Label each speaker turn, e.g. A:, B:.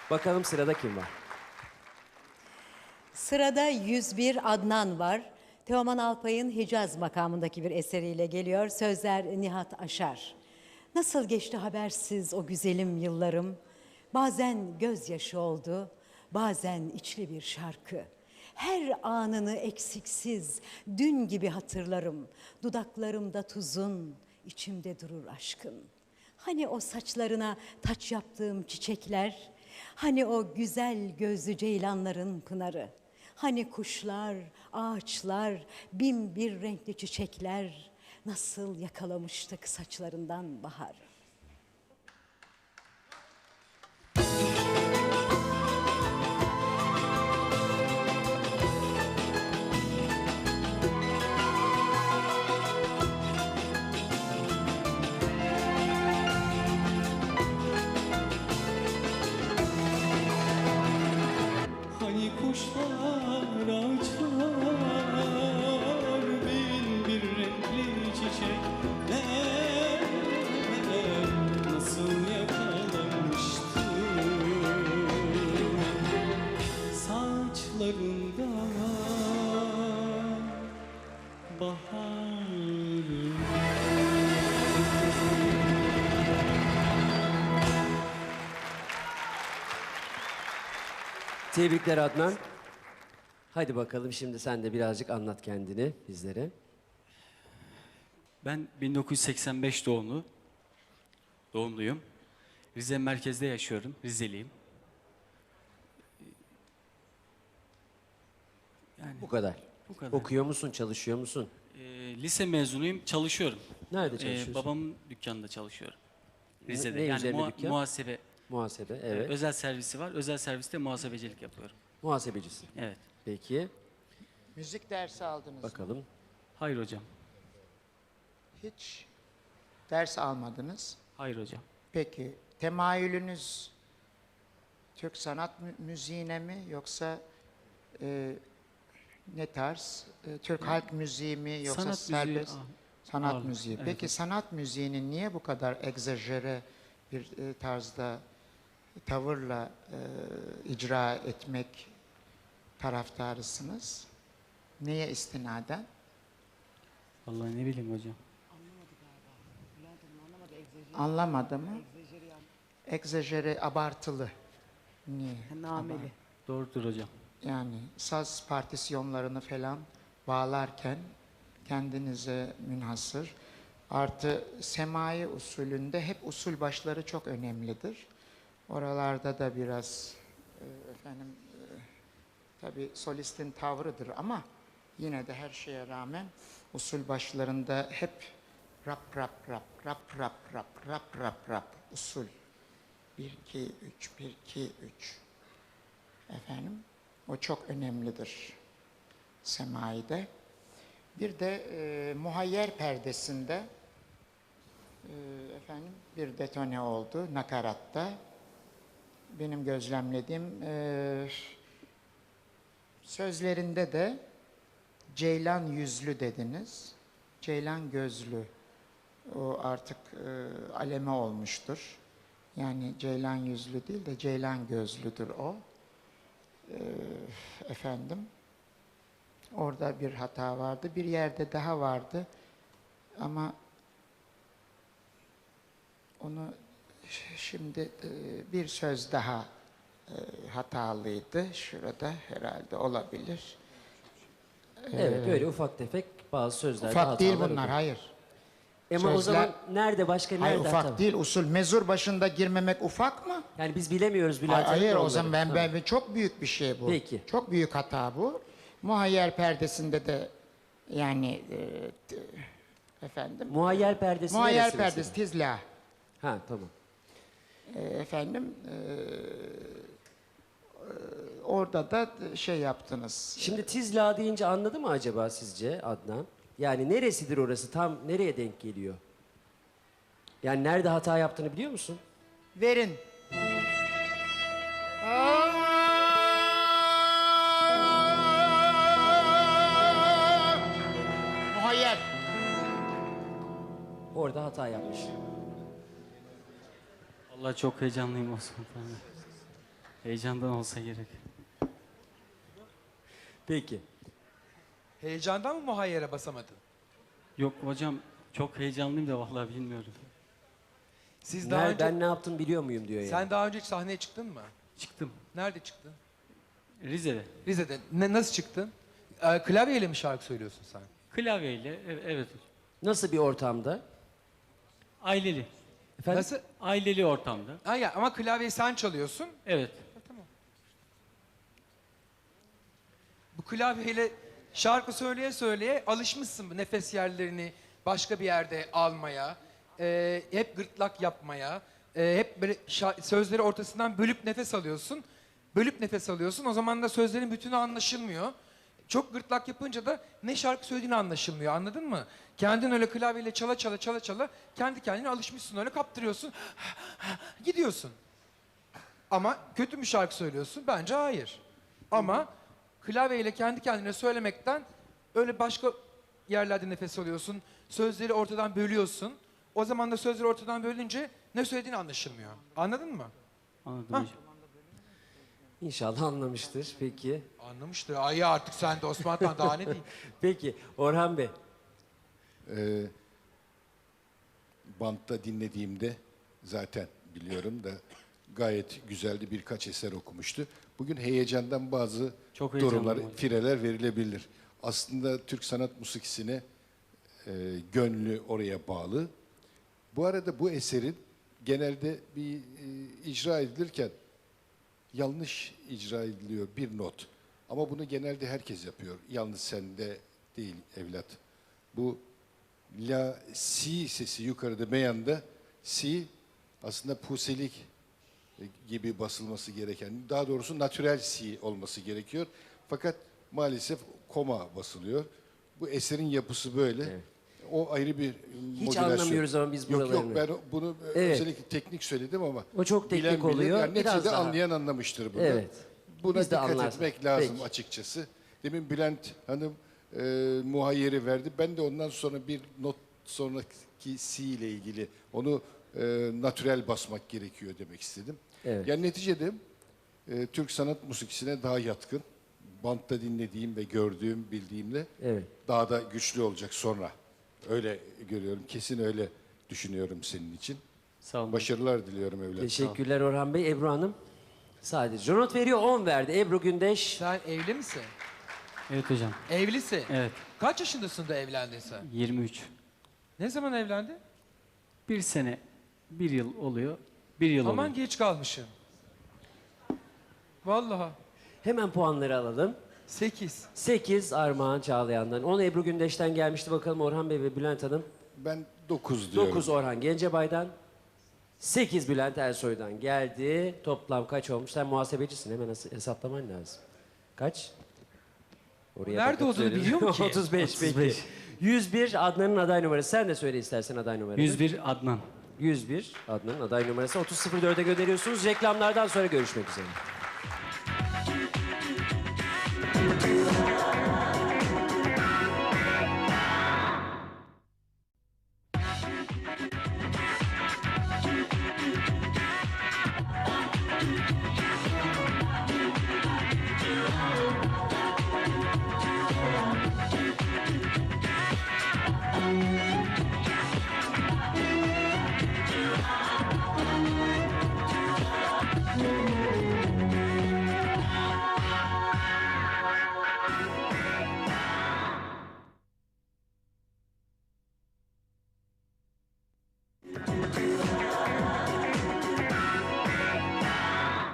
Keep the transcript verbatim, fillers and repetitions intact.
A: Bakalım sırada kim var?
B: Sırada yüz bir Adnan var. Teoman Alpay'ın Hicaz makamındaki bir eseriyle geliyor. Sözler Nihat Aşar. Nasıl geçti habersiz o güzelim yıllarım? Bazen gözyaşı oldu, bazen içli bir şarkı. Her anını eksiksiz, dün gibi hatırlarım. Dudaklarımda tuzun, içimde durur aşkın. Hani o saçlarına taç yaptığım çiçekler, hani o güzel gözlü ceylanların pınarı, hani kuşlar, ağaçlar, bin bir renkli çiçekler, nasıl yakalamıştık saçlarından bahar.
C: Hani kuşlar, ağaçlar, bin bir renkli çiçekler nasıl yakalamıştı saçlarında baharı.
A: Tebrikler Adnan. Hadi bakalım şimdi sen de birazcık anlat kendini bizlere.
C: Ben bin dokuz yüz seksen beş doğumlu, doğumluyum. Rize merkezde yaşıyorum, Rizeliyim. Yani
A: Bu kadar.
C: bu kadar.
A: Okuyor musun, çalışıyor musun?
C: Ee, lise mezunuyum, çalışıyorum.
A: Nerede
C: Ee,
A: çalışıyorsun?
C: babamın dükkanında çalışıyorum.
A: Ne-
C: Rize'de.
A: ne
C: yani
A: üzerine
C: muha-
A: dükkan?
C: muhasebe,
A: Muhasebe,
C: e,
A: evet.
C: özel servisi var. Özel serviste muhasebecilik yapıyorum.
A: Muhasebecisin.
C: Evet.
A: Peki,
D: Müzik dersi aldınız mı?
A: bakalım.
C: Hayır hocam.
D: Hiç ders almadınız.
C: Hayır hocam.
D: Peki temayülünüz Türk sanat mü- müziğine mi yoksa e, ne tarz? E, Türk halk müziği mi yoksa
C: Sanat müziği,
D: serbest
C: ah,
D: sanat
C: ağırlık.
D: müziği?
C: Evet,
D: Peki
C: evet.
D: sanat müziğini niye bu kadar egzajere bir e, tarzda tavırla e, icra etmek taraftarısınız? Neye istinaden?
C: Vallahi ne bileyim hocam.
D: Anlamadı mı? Egzajere, abartılı. Niye?
B: Nameli.
C: Doğrudur hocam.
D: Yani saz partisyonlarını falan bağlarken kendinize münhasır. Artı semai usulünde hep usul başları çok önemlidir. Oralarda da biraz e, efendim e, tabii solistin tavrıdır ama yine de her şeye rağmen usul başlarında hep rap rap rap rap rap rap rap rap rap usul. Bir iki üç bir iki üç. Efendim o çok önemlidir semaide. Bir de e, muhayyer perdesinde e, efendim bir detone oldu nakaratta. Benim gözlemlediğim e, sözlerinde de ceylan yüzlü dediniz. Ceylan gözlü. O artık e, aleme olmuştur. Yani ceylan yüzlü değil de ceylan gözlüdür o. E, efendim. Orada bir hata vardı. Bir yerde daha vardı. Ama onu ş- şimdi e, bir söz daha e, hatalıydı. Şurada herhalde olabilir.
A: Evet, öyle ufak tefek bazı sözlerde
D: Ufak değil
A: hatalar
D: bunlar,
A: oluyor.
D: hayır.
A: Ama o
D: Sözler-
A: zaman nerede, başka nerede
D: Hayır ufak
A: hata?
D: değil, usul. Mezur başında girmemek ufak mı?
A: Yani biz bilemiyoruz Bülent
D: Hayır,
A: Hanım da
D: o zaman
A: onları.
D: ben,
A: Tamam.
D: ben çok büyük bir şey bu.
A: Peki.
D: Çok büyük hata bu. Muhayyer perdesinde de yani e, t- efendim.
A: Muhayyer perdesi
D: Muhayyer
A: neresi
D: perdesi
A: mesela?
D: tizla.
A: Ha, tamam.
D: E, efendim e, e, orada da şey yaptınız.
A: Şimdi Tizla deyince anladı mı acaba sizce Adnan? Yani neresidir orası? Tam nereye denk geliyor? Yani nerede hata yaptığını biliyor musun?
D: Verin. Muhayyer.
A: Orada hata yapmış.
C: Vallahi çok heyecanlıyım Osman. Heyecandan olsa gerek.
A: Peki.
E: Heyecandan mı muhayyere basamadın?
C: Yok hocam, çok heyecanlıyım da vallahi bilmiyorum.
E: Siz daha
A: Ner-
E: önce
A: Ben ne yaptım biliyor muyum diyor yani.
E: sen daha önce hiç sahneye çıktın mı?
C: Çıktım.
E: Nerede çıktın?
C: Rize'de.
E: Rize'de. Ne, nasıl çıktın? Ee, klavyeyle mi şarkı söylüyorsun sen?
C: Klavyeyle, e- evet.
A: Nasıl bir ortamda?
C: Aileli.
A: Efendim?
E: Nasıl?
C: Aileli ortamda.
E: Ha ya, ama klavyeyi sen çalıyorsun.
C: Evet.
E: Bu klavyeyle şarkı söyleye söyleye alışmışsın bu nefes yerlerini başka bir yerde almaya. Ee, hep gırtlak yapmaya. ee, hep böyle şa- sözleri ortasından bölüp nefes alıyorsun. Bölüp nefes alıyorsun. O zaman da sözlerin bütünü anlaşılmıyor. Çok gırtlak yapınca da ne şarkı söylediğini anlaşılmıyor. Anladın mı? Kendin öyle klavyeyle çala çala çala çala kendi kendine alışmışsın, öyle kaptırıyorsun. Gidiyorsun. Ama kötü mü şarkı söylüyorsun? Bence hayır. Ama klavyeyle kendi kendine söylemekten öyle başka yerlerde nefes alıyorsun. Sözleri ortadan bölüyorsun. O zaman da sözleri ortadan bölünce ne söylediğini anlaşılmıyor. Anladın mı?
C: Anladım
E: Hah.
C: hocam.
A: İnşallah anlamıştır. Peki.
E: Anlamıştır. Ay artık sen de Osman Tan, daha ne diyeyim?
A: Peki Orhan Bey.
F: Ee, bantta dinlediğimde zaten biliyorum da gayet güzeldi, birkaç eser okumuştu. Bugün heyecandan bazı
C: Çok
F: durumlar,
C: heyecanlıyım hocam.
F: fireler verilebilir. Aslında Türk sanat musikisine e, gönlü oraya bağlı. Bu arada bu eserin genelde bir e, icra edilirken yanlış icra ediliyor bir not. Ama bunu genelde herkes yapıyor. Yalnız sende değil evlat. Bu la, si sesi yukarıda beyanda, si aslında puselik gibi basılması gereken, daha doğrusu natürel si olması gerekiyor. Fakat maalesef koma basılıyor. Bu eserin yapısı böyle.
A: Evet.
F: O ayrı bir
A: Hiç
F: modülasyon.
A: anlamıyoruz ama biz
F: Yok
A: buralarını.
F: yok, ben bunu
A: Evet.
F: özellikle teknik söyledim ama
A: O çok teknik
F: bilen bilir.
A: oluyor.
F: Yani
A: Biraz
F: neticede
A: daha.
F: anlayan anlamıştır bunu.
A: Evet.
F: Buna
A: Biz de
F: dikkat
A: anlarsın.
F: etmek lazım
A: Peki.
F: açıkçası. Demin Bülent Hanım e, muhayyeri verdi. Ben de ondan sonra bir not sonraki si ile ilgili onu e, natürel basmak gerekiyor demek istedim.
A: Evet.
F: Yani neticede e, Türk sanat musikisine daha yatkın. Bantta dinlediğim ve gördüğüm, bildiğimle
A: Evet.
F: daha da güçlü olacak sonra. Öyle görüyorum. Kesin öyle düşünüyorum senin için.
C: Sağ olun.
F: Başarılar diliyorum evladım.
A: Teşekkürler Orhan Bey. Ebru Hanım. Sadece not veriyor, on verdi. Ebru Gündeş.
E: Sen evli misin?
C: Evet hocam.
E: Evlisin.
C: Evet.
E: Kaç yaşındasın da evlendin sen?
C: yirmi üç.
E: Ne zaman evlendin?
C: Bir sene, bir yıl oluyor. Bir yıl
E: Aman
C: oluyor.
E: geç kalmışım. Vallahi.
A: Hemen puanları alalım.
E: Sekiz.
A: sekiz Armağan Çağlayan'dan. on Ebru Gündeş'ten gelmişti. Bakalım Orhan Bey ve Bülent Hanım.
F: Ben dokuz diyorum.
A: dokuz Orhan Gencebay'dan. sekiz Bülent Ersoy'dan geldi. Toplam kaç olmuş? Sen muhasebecisin. Hemen hesa- hesaplaman lazım. Kaç? Oraya
E: Nerede
A: bakıp
E: olduğunu
A: söyleyeyim.
E: biliyor mu ki?
A: otuz beş
C: otuz
A: peki.
C: beş.
A: yüz bir Adnan'ın aday numarası. Sen de söyle istersen aday numaranı.
C: yüz bir Adnan.
A: yüz bir Adnan'ın aday numarası. otuz sıfır dörde gönderiyorsunuz. Reklamlardan sonra görüşmek üzere.